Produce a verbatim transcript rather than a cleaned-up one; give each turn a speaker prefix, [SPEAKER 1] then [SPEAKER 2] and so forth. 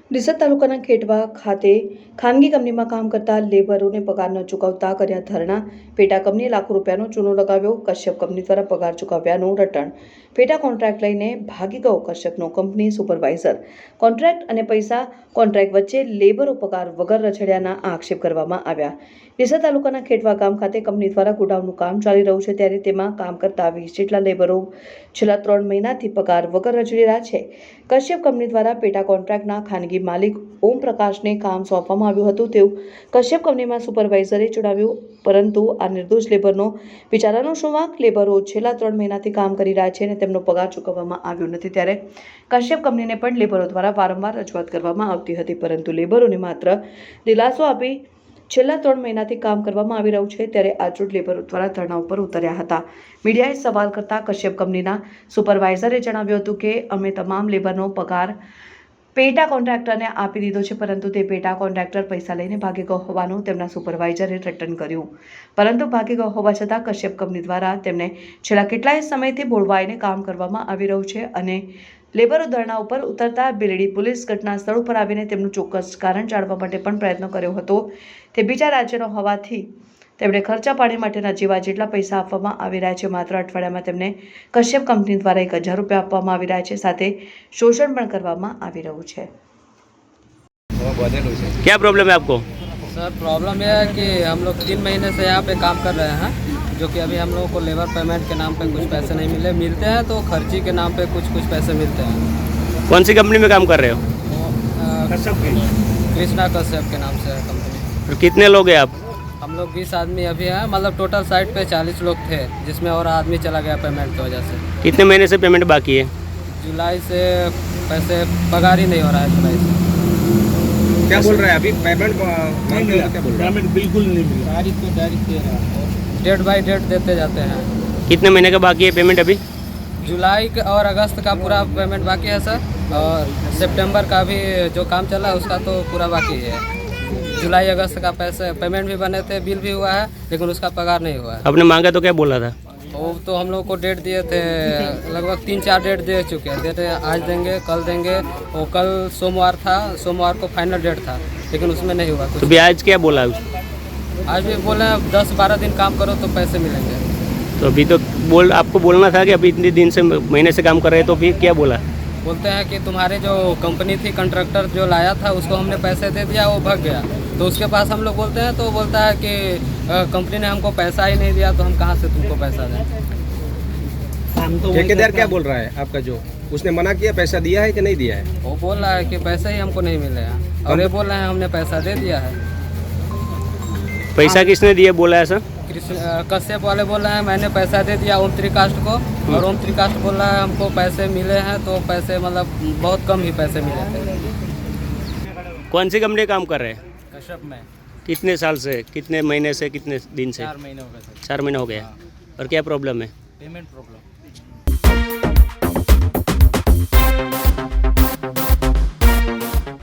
[SPEAKER 1] ડીસા તાલુકાના ખેટવા ખાતે ખાનગી કંપનીમાં કામ કરતા લેબરોને પગાર ન ચૂકવતા કર્યા ધરણા। પેટા કંપનીએ લાખો રૂપિયાનો ચૂનો લગાવ્યો। કશ્યપ કંપની દ્વારા પગાર ચૂકવ્યાનું રટણ। પેટા કોન્ટ્રાક્ટ લઈને ભાગી ગયો કશ્યપનો કંપની સુપરવાઇઝર। કોન્ટ્રાક્ટ અને પૈસા કોન્ટ્રાક્ટ વચ્ચે લેબરો પગાર વગર રછડ્યાના આક્ષેપ કરવામાં આવ્યા। ડીસા તાલુકાના ખેટવા ગામ ખાતે કંપની દ્વારા ગોડાઉનનું કામ ચાલી રહ્યું છે, ત્યારે તેમાં કામ કરતા વીસ જેટલા લેબરો છેલ્લા ત્રણ મહિનાથી પગાર વગર રખડી રહ્યા છે। કશ્યપ કંપની દ્વારા પેટા કોન્ટ્રાક્ટના ખાનગી માલિક ઓમ પ્રકાશને કામ સોંપવામાં આવ્યું હતું, તેવું કશ્યપ કંપનીમાં સુપરવાઇઝરે જણાવ્યું। પરંતુ આ નિર્દોષ લેબરનો વિચારાનો શું વાંક? લેબરો છેલ્લા ત્રણ મહિનાથી કામ કરી રહ્યા છે અને તેમનો પગાર ચૂકવવામાં આવ્યો નથી, ત્યારે કશ્યપ કંપનીને પણ લેબરો દ્વારા વારંવાર રજૂઆત કરવામાં આવતી હતી, પરંતુ લેબરોને માત્ર દિલાસો આપી છેલ્લા ત્રણ મહિનાથી કામ કરવામાં આવી રહ્યું છે। ત્યારે આજરોજ લેબરો દ્વારા ધરણા ઉપર ઉતર્યા હતા। મીડિયાએ સવાલ કરતા કશ્યપ કંપનીના સુપરવાઇઝરે જણાવ્યું હતું કે અમે તમામ લેબરનો પગાર પેટા કોન્ટ્રાક્ટરને આપી દીધો છે, પરંતુ તે પેટા કોન્ટ્રાક્ટર પૈસા લઈને ભાગી ગયો હોવાનું તેમના સુપરવાઇઝરે રટણ કર્યું। પરંતુ ભાગી ગયો હોવા છતાં કશ્યપ કંપની દ્વારા તેમને છેલ્લા કેટલાય સમયથી બોળવાઈને કામ કરવામાં આવી રહ્યું છે અને લેબરો ધરણા ઉપર ઉતરતા બિલડી પોલીસ ઘટના સ્થળ ઉપર આવીને તેમનું ચોક્કસ કારણ જાણવા માટે પણ પ્રયત્ન કર્યો હતો। તે બીજા રાજ્યનો હોવાથી તેમણે ખર્ચા પાણી માટેના જેવા જેટલા પૈસા આપવામાં આવી રહ્યા છે। માત્ર અઠવાડિયામાં તેમને કશ્યપ કંપની દ્વારા એક હજાર રૂપિયા આપવામાં આવી રહ્યા છે, સાથે શોષણ પણ કરવામાં આવી રહ્યું છે।
[SPEAKER 2] क्या प्रॉब्लम है आपको?
[SPEAKER 3] सर प्रॉब्लम यह है कि हम लोग तीन महीने से यहाँ पे काम कर रहे हैं, जो कि अभी हम लोगों को लेबर पेमेंट के नाम पे कुछ पैसे नहीं मिले मिलते हैं तो खर्ची के नाम पे कुछ कुछ पैसे मिलते हैं।
[SPEAKER 2] कौन सी कंपनी में काम कर रहे हो?
[SPEAKER 3] कृष्णा कश्यप के नाम से है कंपनी।
[SPEAKER 2] और कितने लोग हैं आप?
[SPEAKER 3] हम लोग बीस आदमी अभी हैं, मतलब टोटल साइट पे चालीस लोग थे, जिसमें और आदमी चला गया पेमेंट की वजह से।
[SPEAKER 2] कितने महीने से पेमेंट बाकी है?
[SPEAKER 3] जुलाई से पैसे पगार ही नहीं हो रहा है। जुलाई से
[SPEAKER 4] क्या बोल रहे हैं अभी? पेमेंट नहीं मिला, क्या बोल रहे हैं?
[SPEAKER 5] पेमेंट बिल्कुल नहीं मिला।
[SPEAKER 3] तारीख तो तारीख दे रहा है, डेट बाई डेट देते जाते हैं।
[SPEAKER 2] कितने महीने का बाकी है पेमेंट अभी?
[SPEAKER 3] जुलाई का और अगस्त का पूरा पेमेंट बाकी है सर, और सितंबर का भी जो काम चला है उसका तो पूरा बाकी है। जुलाई अगस्त का पैसे पेमेंट भी बने थे, बिल भी हुआ है, लेकिन उसका पगार नहीं हुआ है।
[SPEAKER 2] आपने मांगा तो क्या बोला था?
[SPEAKER 3] वो तो हम लोग को डेट दिए थे, लगभग तीन चार डेट दे चुके हैं। डेट आज देंगे, कल देंगे। वो कल सोमवार था, सोमवार को फाइनल डेट था, लेकिन उसमें नहीं हुआ कुछ।
[SPEAKER 2] तो भी आज क्या बोला?
[SPEAKER 3] आज भी बोले दस बारह दिन काम करो तो पैसे मिलेंगे।
[SPEAKER 2] तो अभी तो बोल आपको बोलना था कि अभी इतने दिन से महीने से काम कर रहे हैं, तो भी क्या बोला?
[SPEAKER 3] बोलते हैं कि तुम्हारे जो कंपनी थी, कंट्रैक्टर जो लाया था उसको हमने पैसे दे दिया, वो भाग गया। तो उसके पास हम लोग बोलते हैं तो बोलता है कि कंपनी ने हमको पैसा ही नहीं दिया, तो हम कहाँ से तुमको पैसा दें।
[SPEAKER 4] ठेकेदार क्या बोल रहा है आपका? जो उसने मना किया, पैसा दिया है कि नहीं दिया है?
[SPEAKER 3] वो बोल रहा है कि पैसे ही हमको नहीं मिले हैं, और ये बोल रहे हैं हमने पैसा दे दिया है।
[SPEAKER 2] पैसा किसने दिया बोला है सर?
[SPEAKER 3] कृष्ण कश्यप वाले बोल रहे हैं मैंने पैसा दे दिया ओम त्रिकाष्ट को, और ओम त्रिकाष्ट बोल रहा है हमको पैसे मिले हैं, तो पैसे मतलब बहुत कम ही पैसे मिले थे।
[SPEAKER 2] कौन सी कंपनी काम कर रहे हैं?
[SPEAKER 3] कश्यप में
[SPEAKER 2] कितने साल से, कितने महीने से, कितने दिन से?
[SPEAKER 3] चार महीने हो गए सर।
[SPEAKER 2] चार महीने हो गया। और क्या प्रॉब्लम है?
[SPEAKER 3] Payment problem.